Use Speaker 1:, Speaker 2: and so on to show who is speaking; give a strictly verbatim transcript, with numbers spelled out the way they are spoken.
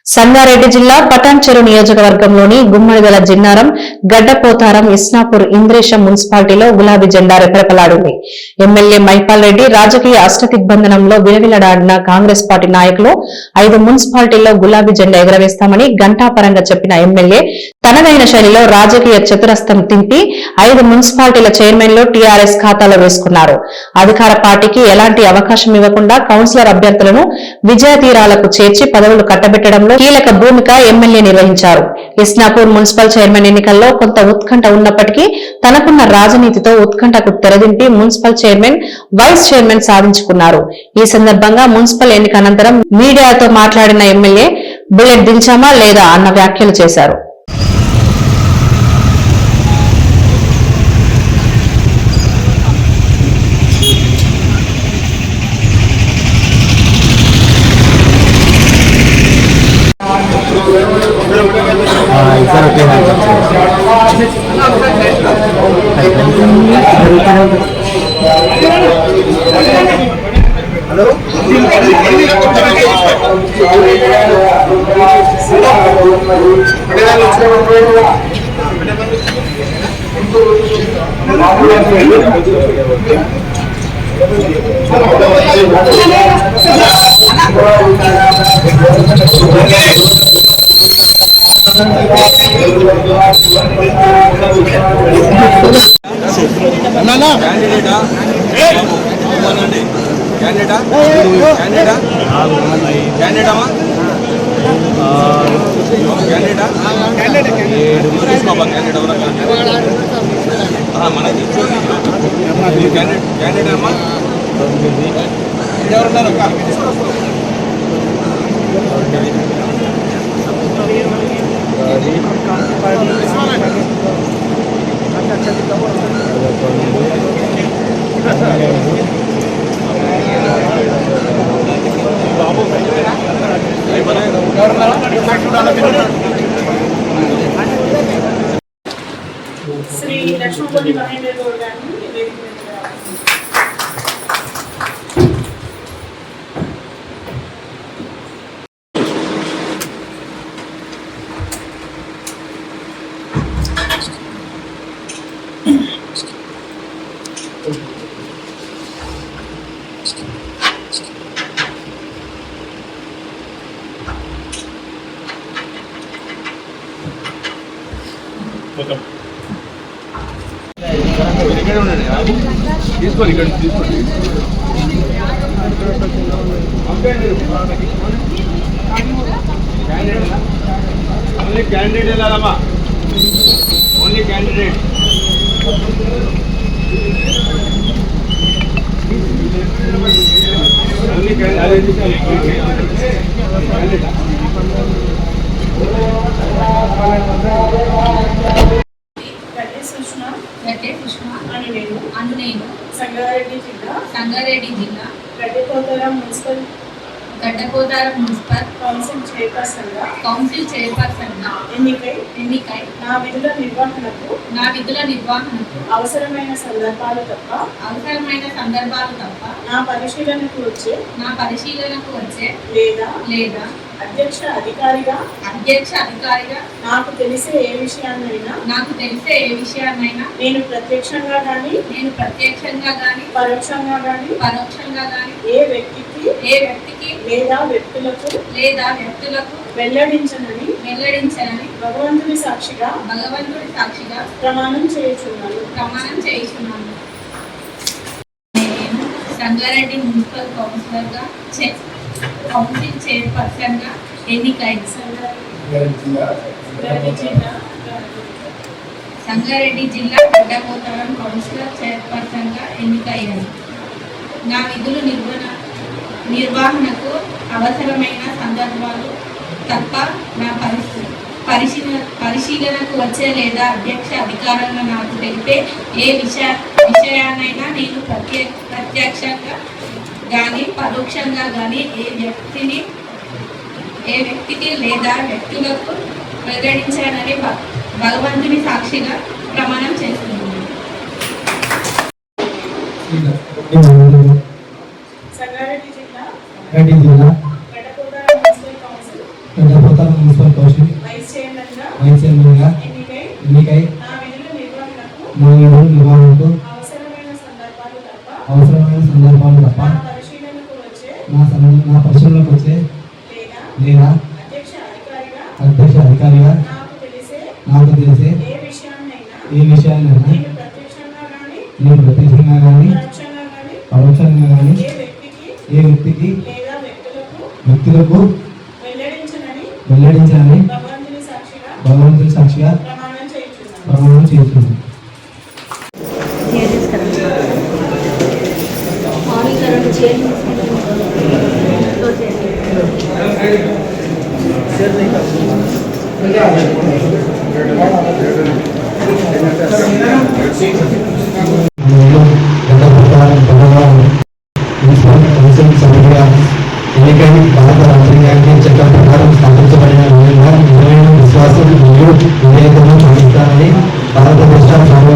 Speaker 1: సంగారెడ్డి జిల్లా పటాన్చెరు నియోజకవర్గంలోని గుమ్మడిదల జిన్నారం, గడ్డపోతారం, ఇస్నాపూర్, ఇంద్రేశం మున్సిపాలిటీలో గులాబీ జెండా రెపరెపలాడింది. ఎమ్మెల్యే మైపాల్ రెడ్డి రాజకీయ అష్టదిగ్బంధనంలో విలవిలడాడిన కాంగ్రెస్ పార్టీ నాయకులు ఐదు మున్సిపాలిటీల్లో గులాబీ జెండా ఎగరవేస్తామని ఘంటాపరంగా చెప్పిన ఎమ్మెల్యే తనదైన శైలిలో రాజకీయ చతురస్రం తింపి ఐదు మున్సిపాలిటీల చైర్మన్లు టీఆర్ఎస్ ఖాతాలో వేసుకున్నారు. అధికార పార్టీకి ఎలాంటి అవకాశం ఇవ్వకుండా కౌన్సిలర్ అభ్యర్థులను విజయ తీరాలకు చేర్చి పదవులు కట్టబెట్టడంలో కీలక భూమిక ఎమ్మెల్యే నిర్వహించారు. ఇస్నాపూర్ మున్సిపల్ చైర్మన్ ఎన్నికల్లో కొంత ఉత్కంఠ ఉన్నప్పటికీ తనకున్న రాజనీతితో ఉత్కంఠకు తెరదింపి మున్సిపల్ చైర్మన్, వైస్ చైర్మన్ సాధించుకున్నారు. ఈ సందర్భంగా మున్సిపల్ ఎన్నిక అనంతరం మీడియాతో మాట్లాడిన ఎమ్మెల్యే బుల్లెట్ దించామా లేదా అన్న వ్యాఖ్యలు చేశారు.
Speaker 2: శ్రీ లక్ష్మణ్ మహేంద్ర గౌడ్ గారిని
Speaker 3: తీసుకోండి ఇక్కడ తీసుకోండి. ఓన్లీ క్యాండిడేట్ వెళ్ళాలమ్మా, only candidate. Only candidate. Sangareddy జిల్లా
Speaker 4: సంగారెడ్డి జిల్లా
Speaker 2: Gaddapotharam municipal
Speaker 4: Gaddapotharam municipal
Speaker 2: council chairperson గా
Speaker 4: కౌన్సిల్ చైర్పర్సన్ గా
Speaker 2: ఎన్నికై
Speaker 4: ఎన్నికై
Speaker 2: నా విధుల నిర్వహణకు
Speaker 4: నా విధుల నిర్వహణకు
Speaker 2: అవసరమైన సందర్భాలు తప్ప
Speaker 4: అవసరమైన సందర్భాలు తప్ప
Speaker 2: నా పరిశీలనకు వచ్చే
Speaker 4: నా పరిశీలనకు వచ్చే
Speaker 2: లేదా
Speaker 4: లేదా
Speaker 2: అధ్యక్ష అధికారిగా
Speaker 4: అధ్యక్ష అధికారిగా
Speaker 2: నాకు తెలిసే ఏ విషయాన్నైనా
Speaker 4: నాకు తెలిసే ఏ విషయాన్నైనా
Speaker 2: నేను ప్రత్యక్షంగా గాని
Speaker 4: నేను ప్రత్యక్షంగా గాని
Speaker 2: పరోక్షంగా గాని
Speaker 4: పరోక్షంగా గాని
Speaker 2: ఏ వ్యక్తికి
Speaker 4: ఏ వ్యక్తికి
Speaker 2: లేదా వ్యక్తులకు
Speaker 4: లేదా వ్యక్తులకు
Speaker 2: వెల్లడించనని
Speaker 4: వెల్లడించనని
Speaker 2: భగవంతుని సాక్షిగా
Speaker 4: భగవంతుడి సాక్షిగా
Speaker 2: ప్రమాణం చేయుచున్నాను
Speaker 4: ప్రమాణం చేయుచున్నాను. నేను సంగారెడ్డి మున్సిపల్ కౌన్సిలర్ గా కౌన్సిల్ చైర్పర్సన్ గా ఎన్నికైంది. సంగారెడ్డి జిల్లా గడ్డపోతారం కౌన్సిలర్ చైర్పర్సన్ గా ఎన్నికయ్యాను. నా విధులు నిర్వహణ నిర్వహణకు అవసరమైన సందర్భాలు తప్ప నా పరిస్థితి పరిశీలన పరిశీలనకు వచ్చే లేదా అధ్యక్ష అధికారంగా నాకు తెలిపే ఏ విషయ విషయాన్నైనా నేను ప్రత్యే ప్రత్యక్షంగా కానీ పరోక్షంగా కానీ ఏ వ్యక్తిని ఏ వ్యక్తికి లేదా వ్యక్తులకు వెల్లడించానని భగవంతుని సాక్షిగా ప్రమాణం చేస్తున్నాను.
Speaker 2: సంగారెడ్డి జిల్లా
Speaker 5: Gaddapotharam
Speaker 2: municipal council
Speaker 5: Gaddapotharam municipal council
Speaker 2: vice చైర్మన్గా
Speaker 5: వైస్ చైర్మన్గా
Speaker 2: ఎన్నికై
Speaker 5: ఎన్నికై
Speaker 2: నా విధుల నిర్వహణకు
Speaker 5: నా విధుల నిర్వహణకు
Speaker 2: అవసరమైన సందర్భాలు తప్ప
Speaker 5: అవసరమైన సందర్భాలు తప్ప
Speaker 2: నా పరిశీలనకు వచ్చే
Speaker 5: నా సం- నా పరిశీలనకు వచ్చే
Speaker 2: లేదా
Speaker 5: లేదా
Speaker 2: అధ్యక్ష అధికారిగా
Speaker 5: అధ్యక్ష అధికారిగా
Speaker 2: నాకు తెలిసే
Speaker 5: నాకు తెలిసే
Speaker 2: ఏ విషయాన్నైనా
Speaker 5: ఏ విషయాన్నైనా
Speaker 2: నేను ప్రత్యక్షంగా కానీ
Speaker 5: నేను ప్రత్యక్షంగా కానీ
Speaker 2: పరోక్షంగా కానీ
Speaker 5: పరోక్షంగా కానీ
Speaker 2: ఏ వ్యక్తికి
Speaker 5: ఏ వ్యక్తికి
Speaker 2: లేదా వ్యక్తులకు
Speaker 5: వ్యక్తులకు
Speaker 2: వెల్లడించనని
Speaker 5: వెల్లడించాలని
Speaker 2: భగవంతుని సాక్షిగా
Speaker 5: భగవంతుని సాక్షిగా
Speaker 2: ప్రమాణం చేయించున్నాను.
Speaker 5: ప్రమాణం చేస్తున్నాను. నేను గడ్డపోతారం భగవాన్ మున్సిపల్ కౌన్సిల్ సభ్యుడిగా ఎన్నికై భారత రాజ్యాంగానికి చట్టం ప్రకారం స్థాపించబడిన విధంగా నిజమైన విశ్వాసం మరియు విధేయతను చూపిస్తానని భారత రాష్ట్ర